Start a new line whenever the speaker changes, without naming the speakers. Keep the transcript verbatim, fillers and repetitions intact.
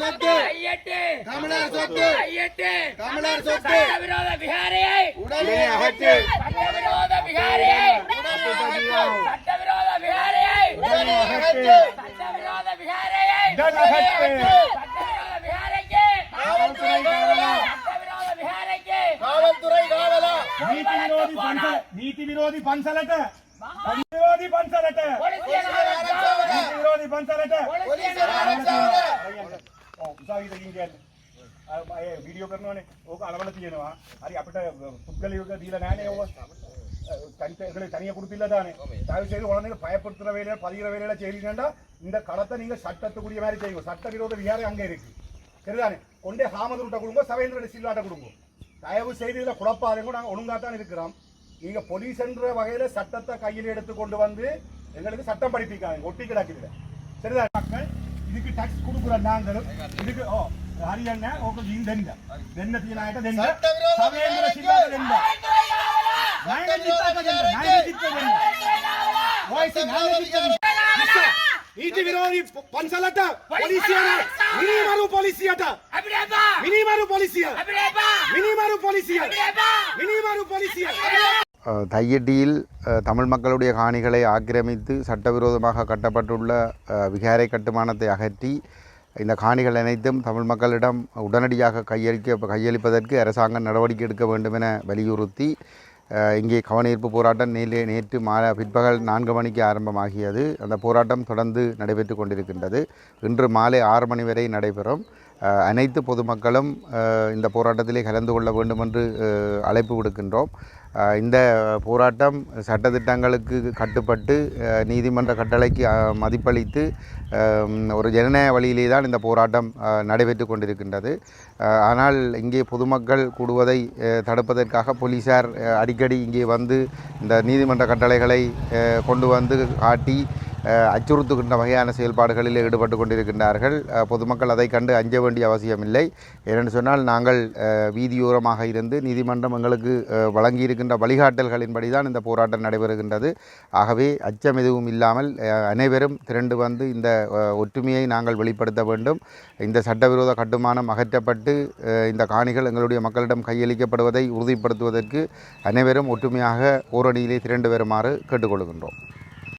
சொத்து தமிழர் சொத்து தமிழர் சொத்து
சட்டவிரோத விகாரையை
உடனே அகற்று
சட்டவிரோத விகாரையை சட்டவிரோத விகாரையை
உடனே அகற்று
சட்டவிரோத விகாரையை
உடனே அகற்று
சட்டவிரோத விகாரைக்கு
காவல்துறை காவலா
சட்டவிரோத விகாரைக்கு
காவல்துறை காவலா
ನೀತಿ ವಿರೋಧಿ ಪಂಚ ನೀತಿ ವಿರೋಧಿ ಪಂಚಲಟ ವಿರೋಧಿ ಪಂಚಲಟ ನೀತಿ ವಿರೋಧಿ ಪಂಚಲಟ
போலீசார் ஆரட்சாவல
උසාවියට ගිහින් කියන්නේ අය වීඩියෝ කරනවානේ ඕක අලවල තියෙනවා හරි අපිට පුද්ගලිකව දීලා නැහැනේ ඕක தனித்தே தனியாக கொடுத்தில்ல தானே தயவு செய்து குழந்தைங்க பயப்படுத்துற வேலையில பதிகிற வேலையில செய்றீங்கன்னா இந்த களத்தை நீங்க சட்டத்துக்குரிய மாதிரி செய்யுங்க சட்ட விரோத விகாரை அங்கே இருக்கு சரிதானே கொண்டே ஹாமதுருட்ட கொடுங்க சவேந்திர சில்லாட்ட கொடுங்க தயவு செய்து இதில் குழப்பாதீங்க நாங்கள் ஒழுங்காத்தான் இருக்கிறோம் நீங்க போலீஸ் என்ற வகையில சட்டத்தை கையில் எடுத்து கொண்டு வந்து எங்களுக்கு சட்டம் படிப்பிக்காங்க ஒட்டி கிடக்குது சரிதான் மக்கள் இதுக்கு டாக்ஸ் கொடுக்குற நாங்களும் இதுக்கு ஓ ஹரியானா ஓகே இந்த தென்ன தென்ன தீனாயிட்ட தென்ன சவேந்திர சில்லாட்ட தென்ன நாயக ஜித்தா தென்ன நாயக ஜித்தா தென்ன வாய்ஸ் நாயக ஜித்தா ನೀತಿ ವಿರೋಧಿ ಪಂಚಲಟ ಪೊಲೀಸಿಯರ ಮಿನಿಮರು ಪೊಲೀಸಿಯಟ ಮಿನಿಮರು ಪೊಲೀಸಿಯ ಮಿನಿಮರು ಪೊಲೀಸಿಯ ಮಿನಿಮರು ಪೊಲೀಸಿಯ
தையடியில் தமிழ் மக்களுடைய காணிகளை ஆக்கிரமித்து சட்டவிரோதமாக கட்டப்பட்டுள்ள விகாரை கட்டுமானத்தை அகற்றி இந்த காணிகள் அனைத்தும் தமிழ் மக்களிடம் உடனடியாக கையளிக்க கையளிப்பதற்கு அரசாங்கம் நடவடிக்கை எடுக்க வேண்டும் என வலியுறுத்தி இங்கே கவனஈர்ப்பு போராட்டம் நேலே நேற்று மாலை பிற்பகல் நான்கு மணிக்கு ஆரம்பமாகியது. அந்த போராட்டம் தொடர்ந்து நடைபெற்று கொண்டிருக்கின்றது. இன்று மாலை ஆறு மணி வரை நடைபெறும். அனைத்து பொதுமக்களும் இந்த போராட்டத்திலே கலந்து கொள்ள வேண்டும் என்று அழைப்பு விடுக்கின்றோம். இந்த போராட்டம் சட்டத்திட்டங்களுக்கு கட்டுப்பட்டு நீதிமன்ற கட்டளைக்கு மதிப்பளித்து ஒரு ஜனநாயக வழியிலே தான் இந்த போராட்டம் நடைபெற்று கொண்டிருக்கின்றது. ஆனால் இங்கே பொதுமக்கள் கூடுவதை தடுப்பதற்காக போலீசார் அடிக்கடி இங்கே வந்து இந்த நீதிமன்ற கட்டளைகளை கொண்டு வந்து காட்டி அச்சுறுத்துகின்ற வகையான செயல்பாடுகளில் ஈடுபட்டு கொண்டிருக்கின்றார்கள். பொதுமக்கள் அதை கண்டு அஞ்ச வேண்டிய அவசியமில்லை. ஏனென்று சொன்னால் நாங்கள் வீதியோரமாக இருந்து நீதிமன்றம் எங்களுக்கு வழங்கியிருக்கின்ற வழிகாட்டல்களின்படி தான் இந்த போராட்டம் நடைபெறுகின்றது. ஆகவே அச்சம் எதுவும் இல்லாமல் அனைவரும் திரண்டு வந்து இந்த ஒற்றுமையை நாங்கள் வெளிப்படுத்த வேண்டும். இந்த சட்டவிரோத கட்டுமானம் அகற்றப்பட்டு இந்த காணிகள் எங்களுடைய மக்களிடம் கையளிக்கப்படுவதை உறுதிப்படுத்துவதற்கு அனைவரும் ஒற்றுமையாக ஓரணியிலே திரண்டு வருமாறு கேட்டுக்கொள்கின்றோம்.